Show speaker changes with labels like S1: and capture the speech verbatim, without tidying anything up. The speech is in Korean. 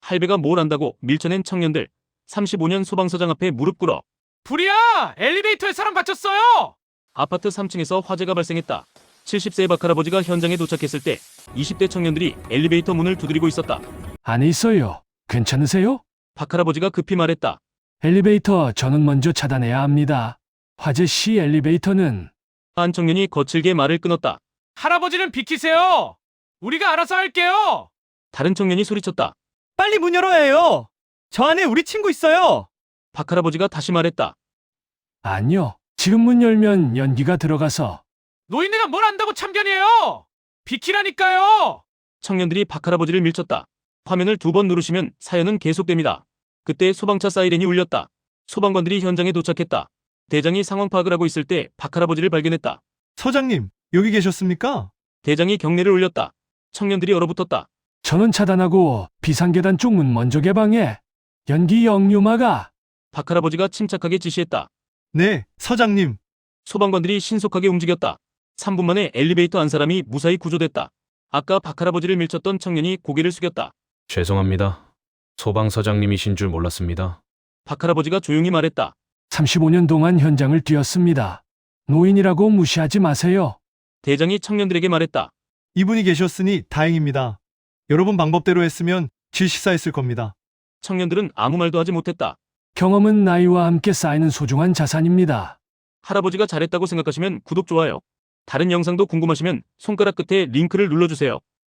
S1: 할배가 뭘 안다고 밀쳐낸 청년들. 삼십오 년 소방서장 앞에 무릎 꿇어.
S2: 불이야! 엘리베이터에 사람 갇혔어요!
S1: 아파트 삼 층에서 화재가 발생했다. 칠십 세의 박할아버지가 현장에 도착했을 때 이십 대 청년들이 엘리베이터 문을 두드리고 있었다.
S3: 안에 있어요. 괜찮으세요?
S1: 박할아버지가 급히 말했다.
S3: 엘리베이터 저는 먼저 차단해야 합니다. 화재 시 엘리베이터는
S1: 한 청년이 거칠게 말을 끊었다.
S2: 할아버지는 비키세요! 우리가 알아서 할게요!
S1: 다른 청년이 소리쳤다.
S4: 빨리 문 열어야 해요. 저 안에 우리 친구 있어요.
S1: 박할아버지가 다시 말했다.
S3: 아니요. 지금 문 열면 연기가 들어가서
S2: 노인네가 뭘 안다고 참견이에요! 비키라니까요!
S1: 청년들이 박할아버지를 밀쳤다. 화면을 두 번 누르시면 사연은 계속됩니다. 그때 소방차 사이렌이 울렸다. 소방관들이 현장에 도착했다. 대장이 상황 파악을 하고 있을 때 박할아버지를 발견했다.
S4: 서장님, 여기 계셨습니까?
S1: 대장이 경례를 올렸다. 청년들이 얼어붙었다.
S3: 전원 차단하고 비상계단 쪽 문 먼저 개방해. 연기 역류마가
S1: 박할아버지가 침착하게 지시했다.
S4: 네, 서장님.
S1: 소방관들이 신속하게 움직였다. 삼 분 만에 엘리베이터 안 사람이 무사히 구조됐다. 아까 박할아버지를 밀쳤던 청년이 고개를 숙였다.
S5: 죄송합니다. 소방서장님이신 줄 몰랐습니다.
S1: 박할아버지가 조용히 말했다.
S3: 삼십오 년 동안 현장을 뛰었습니다. 노인이라고 무시하지 마세요.
S1: 대장이 청년들에게 말했다.
S4: 이분이 계셨으니 다행입니다. 여러분 방법대로 했으면 질식사했을 겁니다.
S1: 청년들은 아무 말도 하지 못했다.
S3: 경험은 나이와 함께 쌓이는 소중한 자산입니다.
S1: 할아버지가 잘했다고 생각하시면 구독, 좋아요. 다른 영상도 궁금하시면 손가락 끝에 링크를 눌러주세요.